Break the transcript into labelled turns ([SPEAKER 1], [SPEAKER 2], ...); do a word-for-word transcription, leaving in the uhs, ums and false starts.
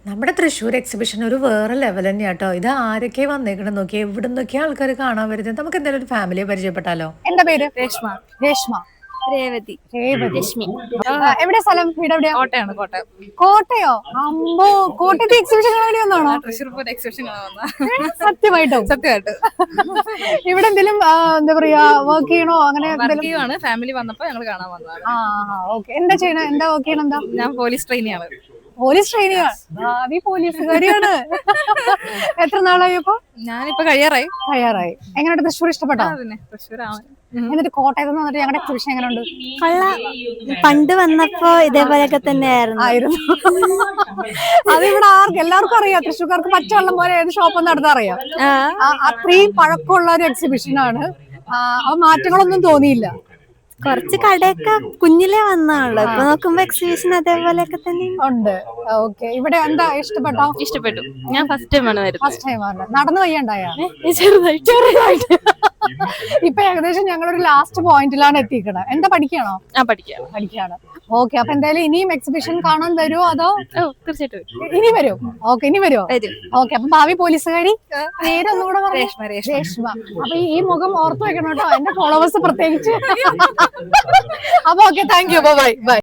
[SPEAKER 1] നമ്മുടെ തൃശ്ശൂർ എക്സിബിഷൻ ഒരു വേറെ ലെവൽ തന്നെയാ കേട്ടോ. ഇത് ആരൊക്കെ വന്നേക്കണം നോക്കി, എവിടെ നിന്നൊക്കെ ആൾക്കാർ കാണാൻ വരുന്നത്. നമുക്ക് എന്തായാലും ഒരു ഫാമിലിയെ പരിചയപ്പെട്ടാലോ?
[SPEAKER 2] എന്താ പേര്?
[SPEAKER 3] രേഷ്മ.
[SPEAKER 2] രേഷ്മ.
[SPEAKER 3] രേവതി.
[SPEAKER 2] രേവതി.
[SPEAKER 3] രശ്മി.
[SPEAKER 2] ആ, എവിടെ സ്ഥലം? വീട് എവിടെയാ?
[SPEAKER 3] കോട്ടയാണ്. കോട്ടയം.
[SPEAKER 2] കോട്ടയോ? അമ്പോ, കോട്ടയത്തെ എക്സിബിഷൻ കാണാൻ വേണ്ടി വന്നാണോ?
[SPEAKER 3] തൃശ്ശൂർ പൂരം എക്സിബിഷൻ വന്ന
[SPEAKER 2] സത്യമായിട്ടും
[SPEAKER 3] സത്യമായിട്ട്
[SPEAKER 2] ഇവിടെ എന്തെങ്കിലും ആ, എന്താ പറയാ, വർക്ക് ചെയ്യണോ അങ്ങനെ എന്തെങ്കിലും?
[SPEAKER 3] വർക്കിയാണ്. ഫാമിലി വന്നപ്പോ ഞങ്ങൾ കാണാൻ വന്നതാണ്.
[SPEAKER 2] ആ ഓക്കെ. എന്താ ചെയ്യണ? എന്താ വർക്ക് ചെയ്യണം? എന്താ?
[SPEAKER 3] ഞാൻ പോലീസ് ട്രെയിനിയാണ്.
[SPEAKER 2] പോലീസ് ട്രെയിനിയാണ്. ഭാവി പോലീസുകാരിയാണ്. എത്ര നാളായപ്പോ?
[SPEAKER 3] ഞാനിപ്പോ കഴിയാറായി.
[SPEAKER 2] തയ്യാറായി. എങ്ങനെയുണ്ട് തൃശ്ശൂർ? ഇഷ്ടപ്പെട്ടോ?
[SPEAKER 3] പിന്നെ തൃശ്ശൂരാണ്.
[SPEAKER 2] എന്നിട്ട് കോട്ടയത്ത് നിന്ന് വന്നിട്ട് ഞങ്ങളുടെ എക്സിബിഷൻ എങ്ങനെയുണ്ട്?
[SPEAKER 4] പണ്ട് വന്നപ്പോ ഇതേപോലെയൊക്കെ തന്നെയായിരുന്നു.
[SPEAKER 2] ആയിരുന്നു. അത് ഇവിടെ ആർക്കും എല്ലാവർക്കും അറിയാം. തൃശ്ശൂർക്കാർക്ക് പച്ചവെള്ളം പോലെ ഏത് ഷോപ്പ് നടത്താൻ അറിയാം. ആ, അത്രയും പഴക്കമുള്ള ഒരു എക്സിബിഷൻ ആണ്. ആ മാറ്റങ്ങളൊന്നും തോന്നിയില്ല.
[SPEAKER 4] കുറച്ച് കടയൊക്കെ കുഞ്ഞിലേ വന്നാണല്ലോ. ഇപ്പൊ നോക്കുമ്പോ എക്സിബിഷൻ അതേപോലെയൊക്കെ തന്നെ
[SPEAKER 2] ഉണ്ട്. ഓക്കെ. ഇവിടെ എന്താ ഇഷ്ടപ്പെട്ടോ?
[SPEAKER 3] ഇഷ്ടപ്പെട്ടു. ഞാൻ ഫസ്റ്റ് ടൈമാണ് വരുന്നത്.
[SPEAKER 2] ഫസ്റ്റ് ടൈം ആണ്. നടന്നു വയ്യണ്ടായ?
[SPEAKER 3] ചെറുതായിട്ട്
[SPEAKER 2] ചെറുതായിട്ട്. ഇപ്പൊ ഏകദേശം ഞങ്ങളൊരു ലാസ്റ്റ് പോയിന്റിലാണ് എത്തിക്കണത്. എന്താ പഠിക്കണോ?
[SPEAKER 3] ആ പഠിക്കാം.
[SPEAKER 2] പഠിക്കാണ്. ഓക്കെ. അപ്പൊ എന്തായാലും ഇനിയും എക്സിബിഷൻ കാണാൻ വരുമോ അതോ?
[SPEAKER 3] ഓ തീർച്ചയായിട്ടും
[SPEAKER 2] ഇനി വരും. ഓക്കെ, ഇനി വരുമോ?
[SPEAKER 3] വരും.
[SPEAKER 2] ഓക്കെ. അപ്പൊ ഭാവി പോലീസുകാരി പേരൊന്നുകൂടെ പറഞ്ഞു.
[SPEAKER 3] രേഷ്മ. രേഷ്മ.
[SPEAKER 2] രേഷ്മ. അപ്പൊ ഈ ഈ മുഖം ഓർത്ത് വെക്കണം കേട്ടോ, എന്റെ ഫോളോവേഴ്സ് പ്രത്യേകിച്ച്. അപ്പൊ okay, thank you. Bye by.